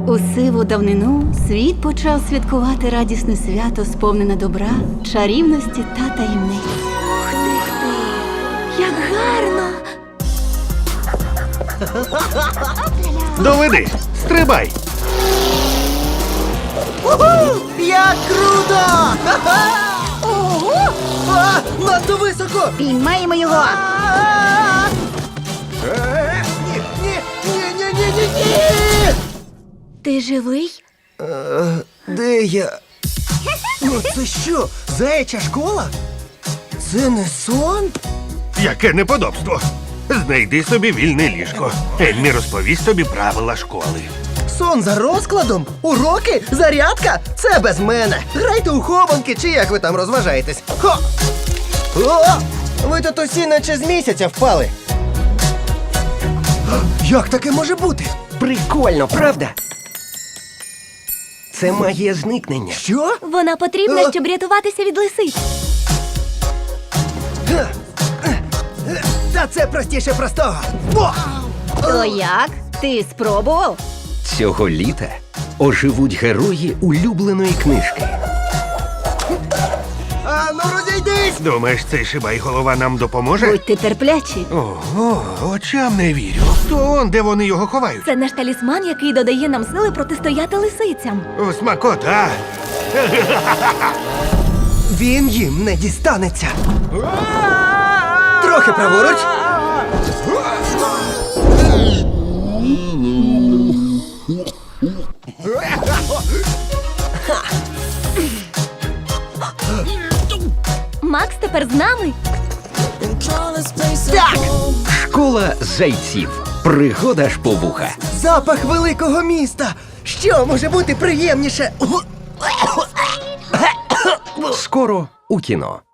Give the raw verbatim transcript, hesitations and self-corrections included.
У сиву давнину світ почав святкувати радісне свято, сповнене добра, чарівності та таємниць. Ух ти, ти! Як гарно! Доведи! Стрибай! Уху! Як круто! Ого! А, надто високо! Піймаємо його! Е, Ні, ні, ні, ні, ні, ні, ні! Ти живий? Е, Де я? Ну це що, заяча школа? Це не сон? Яке неподобство! Знайди собі вільне ліжко. Еммі розповість тобі правила школи. Сон за розкладом? Уроки? Зарядка? Це без мене. Грайте у хованки, чи як ви там розважаєтесь. Хо! О! Ви тут усі наче з місяця впали. Як таке може бути? Прикольно, правда? Це магія зникнення. Що? Вона потрібна, Е? щоб рятуватися від лисиць. Та це простіше простого. О! То як? Ти спробував? Цього літа оживуть герої улюбленої книжки. А ну розійдись! Думаєш, цей шибай-голова нам допоможе? Будьте терплячі. Ого, очам не вірю. То он, де вони його ховають? Це наш талісман, який додає нам сили протистояти лисицям. О, смакота! Він їм не дістанеться. Трохи праворуч. Макс тепер з нами. Так! Школа зайців. Пригода ж по вуха. Запах великого міста. Що може бути приємніше? Скоро у кіно.